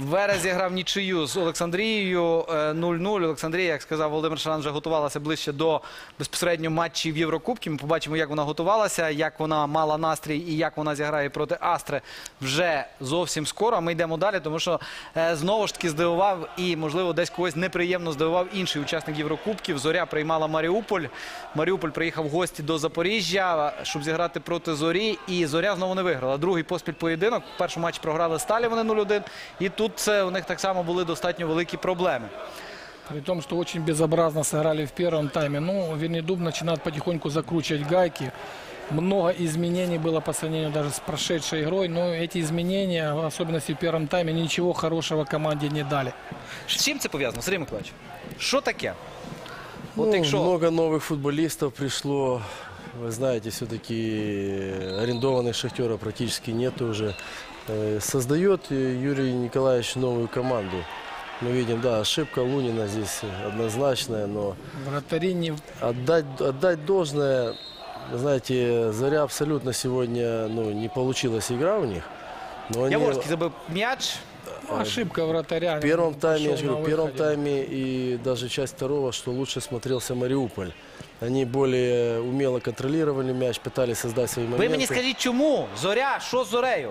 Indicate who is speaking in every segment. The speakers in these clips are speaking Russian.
Speaker 1: Верес зіграв нічию з Олександрією 0-0. Олександрія, як сказав Володимир Шаран, вже готувалася ближче до безпосередньо матчів Єврокубків. Ми побачимо, як вона готувалася, як вона мала настрій і як вона зіграє проти Астри вже зовсім скоро. Ми йдемо далі, тому що знову ж таки здивував і, можливо, десь когось неприємно здивував інший учасник Єврокубків. Зоря приймала Маріуполь. Маріуполь приїхав в гості до Запоріжжя, щоб зіграти проти Зорі. І Зоря знову не виграла. Другий поспіль поєдинок. В першому матчі програли Сталі, вони 0-1. І тут у них так само були достатньо великі проблеми.
Speaker 2: При том, что очень безобразно сыграли в первом тайме. Ну, Вернедуб начинает потихоньку закручивать гайки. Много изменений было по сравнению даже с прошедшей игрой. Но эти изменения, в особенности в первом тайме, ничего хорошего команде не дали.
Speaker 1: З чим це пов'язано, Сергій Миколаївич? Що таке?
Speaker 3: Ну, много новых футболистов пришло. Вы знаете, все-таки арендованных «Шахтера» практически нет уже. Создает Юрий Николаевич новую команду. Мы видим, да, ошибка Лунина здесь однозначная, но
Speaker 2: Вратари не...
Speaker 3: отдать должное, знаете, Заря абсолютно сегодня не получилась игра у них. Но
Speaker 1: Яворський забив м'яч.
Speaker 2: Ошибка вратаря.
Speaker 3: В первом тайме, я же говорю, в первом тайме и даже часть второго, что лучше смотрелся Мариуполь. Они более умело контролировали мяч, пытались создать свои моменты.
Speaker 1: Ви мені скажіть, чому? Зоря, що з Зорею?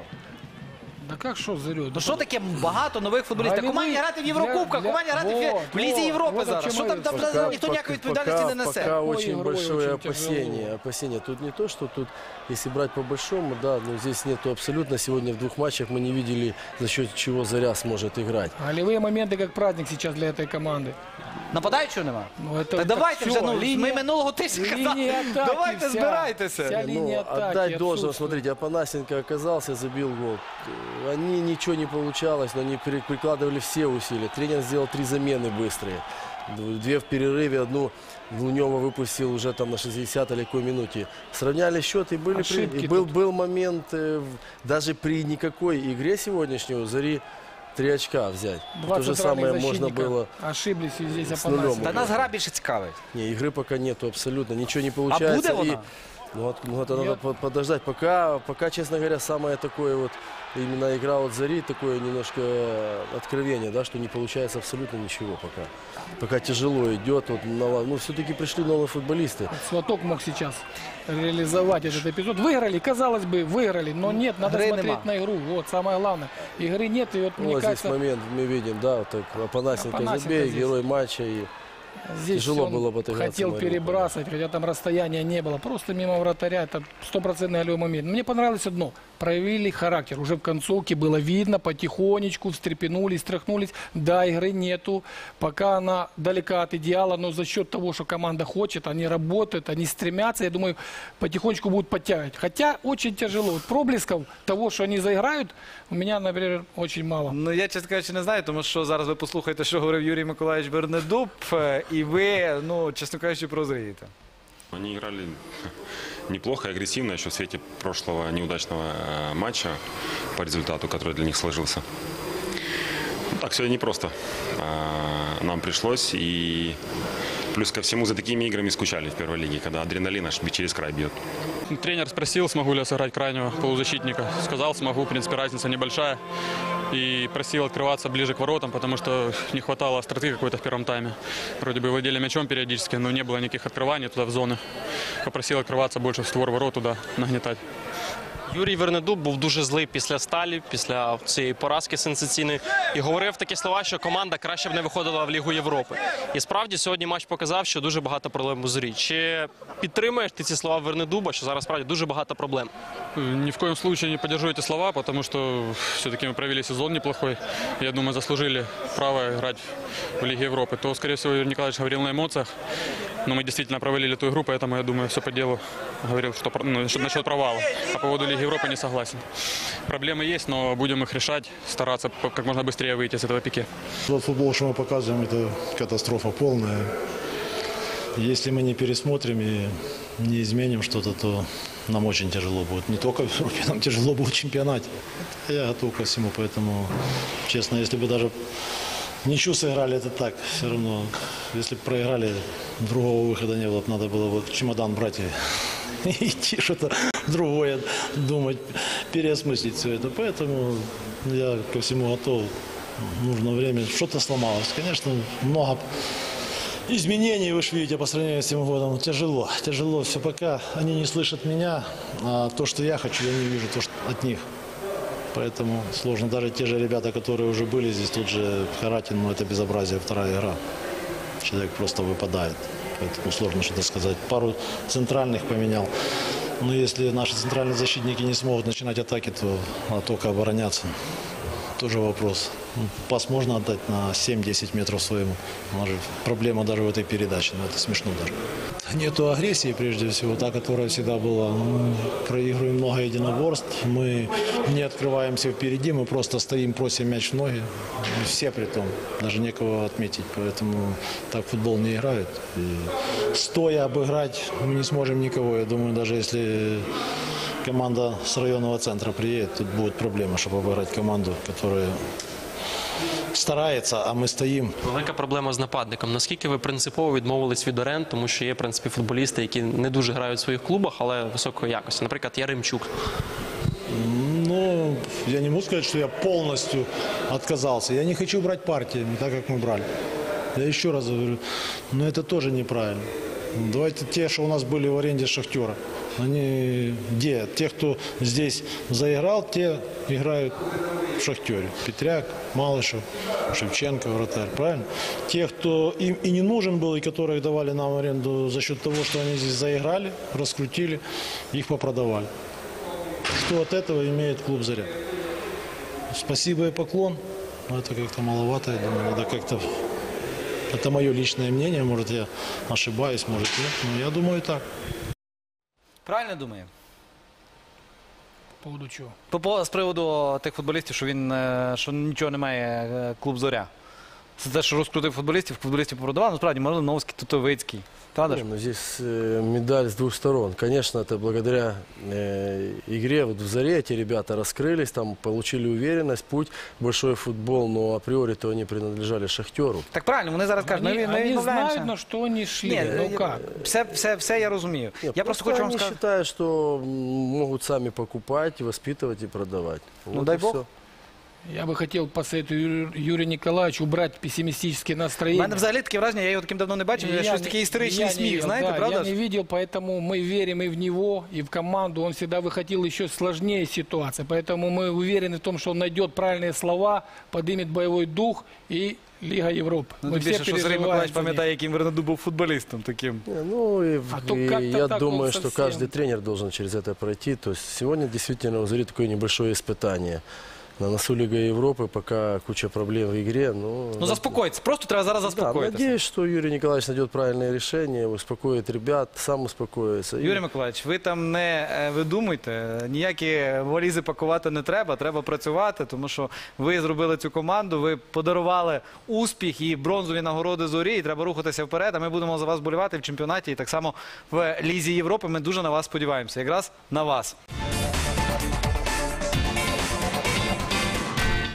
Speaker 2: Да как что Зарю?
Speaker 1: Ну що таке багато нових футболістів? Команді грати в Єврокубках, команді грати в Лізі Європи зараз. Що там ніхто ніякої відповідальності не несе?
Speaker 3: Пока очень большое опасение. Тут не то, что тут, если брать по большому, да, но здесь нету абсолютно. Сегодня в двух матчах мы не видели, за счет чего Заря сможет играть.
Speaker 2: Голевые моменты как праздник сейчас для этой команды.
Speaker 1: Нападаючого нема?
Speaker 2: Ну, это,
Speaker 1: Так давайте
Speaker 2: все,
Speaker 1: вже, ми минулого тижня казали, давайте збирайтеся.
Speaker 3: Отдать должно, смотрите, Апанасенко оказался, забил гол. Они ничего не получалось, но они прикладывали все усилия. Тренер сделал 3 замены быстрые. 2 в перерыве, одну Лунева выпустил уже там на 60 или какой минуте. Сравняли счет и был момент, даже при никакой игре сегодняшней у Зари 3 очка взять. То же самое можно было
Speaker 2: ошиблись здесь
Speaker 3: с нулем.
Speaker 1: Та нас гра більше цікавить.
Speaker 3: Не, игры пока нету абсолютно, ничего не получается.
Speaker 1: А будет она?
Speaker 3: Ну, это надо подождать. Пока, честно говоря, самое такое вот, именно игра от Зари, такое немножко откровение, да, что не получается абсолютно ничего пока. Пока тяжело идет. Вот, ну, все-таки пришли новые футболисты.
Speaker 2: Сваток мог сейчас реализовать этот эпизод. Выиграли, казалось бы, выиграли, но нет, надо смотреть на игру. Вот, самое главное. Игры нет, и вот, мне
Speaker 3: вот
Speaker 2: кажется...
Speaker 3: здесь момент мы видим, да, вот так Апанасенко забей, герой матча. И
Speaker 2: здесь
Speaker 3: тяжело было бы отыграться.
Speaker 2: Хотел перебрасывать, хотя там расстояния не было. Просто мимо вратаря. Это 100% голевой момент. Мне понравилось одно. Проявили характер. Уже в концовке было видно, потихонечку встрепенулись, стряхнулись. Да, игры нету. Пока она далека от идеала, но за счет того, что команда хочет, они работают, они стремятся. Я думаю, потихонечку будут подтягивать. Хотя очень тяжело. Вот проблесков того, что они заиграют, у меня, например, очень мало.
Speaker 1: Ну, я, чесно кажучи, не знаю, тому що зараз ви послухаєте, що говорив Юрій Миколаївич Вернедуб, і ви, ну, чесно кажучи, прозрієте.
Speaker 4: Они играли неплохо и агрессивно еще в свете прошлого неудачного матча по результату, который для них сложился. Ну, так, сегодня непросто нам пришлось. И плюс ко всему за такими играми скучали в первой лиге, когда адреналин аж через край бьет.
Speaker 5: Тренер спросил, смогу ли я сыграть крайнего полузащитника. Сказал, смогу, в принципе, разница небольшая. И просил открываться ближе к воротам, потому что не хватало остроты какой-то в первом тайме. Вроде бы владели мячом периодически, но не было никаких открываний туда в зоны. Попросил открываться больше в створ ворот, туда нагнетать.
Speaker 6: Юрій Вернедуб був дуже злий після Сталі, після цієї поразки сенсаційної. І говорив такі слова, що команда краще б не виходила в Лігу Європи. І справді сьогодні матч показав, що дуже багато проблем у Зорі. Чи підтримуєш ти ці слова Вернедуба, що зараз справді дуже багато проблем?
Speaker 5: Ни в коем случае не поддержу эти слова, потому что все-таки мы провели сезон неплохой. Я думаю, заслужили право играть в Лиге Европы. То, скорее всего, Юрий Николаевич говорил на эмоциях. Но мы действительно провалили эту игру, поэтому, я думаю, все по делу говорил, что насчет провала. А по поводу Лиги Европы не согласен. Проблемы есть, но будем их решать, стараться как можно быстрее выйти с этого пике.
Speaker 7: Тот футбол, что мы показываем, это катастрофа полная. Если мы не пересмотрим и не изменим что-то, то нам очень тяжело будет. Не только в Европе, нам тяжело будет в чемпионате. Я готов ко всему, поэтому, честно, если бы даже ничью сыграли, это так. Все равно, если бы проиграли, другого выхода не было. Надо было вот чемодан брать и идти что-то другое, думать, переосмыслить все это. Поэтому я ко всему готов. нужно время. Что-то сломалось. Конечно, много изменений, вы же видите, по сравнению с этим годом. Тяжело. Тяжело все, пока они не слышат меня. А то, что я хочу, я не вижу то, что от них. Поэтому сложно. Даже те же ребята, которые уже были здесь, тут же Харатин, ну это безобразие, вторая игра. Человек просто выпадает. Поэтому сложно что-то сказать. Пару центральных поменял. Но если наши центральные защитники не смогут начинать атаки, то только обороняться. Тоже вопрос. Пас можно отдать на 7-10 метров своему. Проблема даже в этой передаче. Но это смешно даже. Нету агрессии, прежде всего, та, которая всегда была. Мы проигрываем много единоборств. Мы не открываемся впереди. Мы просто стоим, просим мяч в ноги. Все при том. Даже некого отметить. Поэтому так футбол не играют. И стоя обыграть мы не сможем никого. Я думаю, даже если команда с районного центра приедет, тут будет проблема, чтобы обыграть команду, которая старається, а ми стоїмо.
Speaker 6: Велика проблема з нападником. Наскільки ви принципово відмовились від оренд, тому що є, в принципі, футболісти, які не дуже грають в своїх клубах, але високої якості. Наприклад, Яремчук.
Speaker 7: Ну, я не могу сказать, что я полностью отказался. Я не хочу брать партиями, так как мы брали. Я еще раз говорю, но это тоже неправильно. Давайте те, что у нас были в аренде Шахтера. Они где? Те, кто здесь заиграл, те играют в Шахтере. Петряк, Малышев, Шевченко, вратарь, правильно? Те, кто им и не нужен был, и которых давали нам в аренду за счет того, что они здесь заиграли, раскрутили, их попродавали. Что от этого имеет клуб «Заря»? Спасибо и поклон. Но это как-то маловато, я думаю, надо как-то... Это мое личное мнение, может, я ошибаюсь, может, нет, но я думаю так.
Speaker 1: Правильно думаю?
Speaker 2: По поводу чего?
Speaker 1: З приводу тих футболістів, що нічого не має клуб «Зоря». Це те, що розкрутив футболістів попродавав. Насправді, Малиновський, Тутовицький. Правда ж?
Speaker 3: Ну, здесь медаль с двух сторон. Конечно, это благодаря игре вот в «Заре» эти ребята раскрылись, там получили уверенность, путь, большой футбол, но априори-то они принадлежали «Шахтеру».
Speaker 1: Так правильно, вони зараз кажуть, ми
Speaker 2: Они
Speaker 1: відмовляємося.
Speaker 2: знают, на что они шли.
Speaker 1: Ні,
Speaker 2: Ну как?
Speaker 1: все я розумію.
Speaker 3: Нет,
Speaker 1: Я просто хочу вам
Speaker 3: они
Speaker 1: сказати.
Speaker 3: считают, что могут сами покупать, воспитывать и продавать. Вот
Speaker 1: дай
Speaker 3: и
Speaker 1: бог.
Speaker 3: всё.
Speaker 2: Я бы хотел посоветовать Юрию Николаевичу убрать пессимистические
Speaker 1: У
Speaker 2: настроения.
Speaker 1: мене взагалі таке враження, я його таким давно не бачив,
Speaker 2: Я
Speaker 1: щось
Speaker 2: не-
Speaker 1: такий історичний
Speaker 2: я
Speaker 1: сміх,
Speaker 2: не-
Speaker 1: знаєте,
Speaker 2: да,
Speaker 1: правда
Speaker 2: я
Speaker 1: ж?
Speaker 2: не видел, поэтому мы верим и в него, и в команду. Он всегда выходил еще сложнее ситуация. Поэтому мы уверены в том, что он найдет правильные слова, поднимет боевой дух и Лига Европы.
Speaker 1: Ну,
Speaker 2: Мы
Speaker 1: тим
Speaker 2: все
Speaker 1: більше, що Сергій
Speaker 2: переживаем
Speaker 1: Миколаївич
Speaker 2: за них.
Speaker 1: пам'ятає, яким Вернеду був футболістом таким.
Speaker 3: Не, ну,
Speaker 2: А то
Speaker 3: и
Speaker 2: как-то
Speaker 3: я
Speaker 2: так
Speaker 3: думаю,
Speaker 2: он
Speaker 3: что
Speaker 2: совсем.
Speaker 3: каждый тренер должен через это пройти. То есть сегодня действительно у «Зари» такое небольшое испытание. На носу Лига Европы, пока куча проблем в игре.
Speaker 1: Ну заспокойтесь, просто треба зараз
Speaker 3: Да,
Speaker 1: заспокоїтися.
Speaker 3: надеюсь, что Юрий Николаевич найдет правильное решение, успокоит ребят, сам успокоится.
Speaker 1: Юрій Миколаївич, ви там не видумуйте, ніякі валізи пакувати не треба, треба працювати, тому що ви зробили цю команду, ви подарували успіх і бронзові нагороди «Зорі», і треба рухатися вперед, а ми будемо за вас болівати в чемпіонаті і так само в Лізі Європи. Ми дуже на вас сподіваємося, якраз на вас.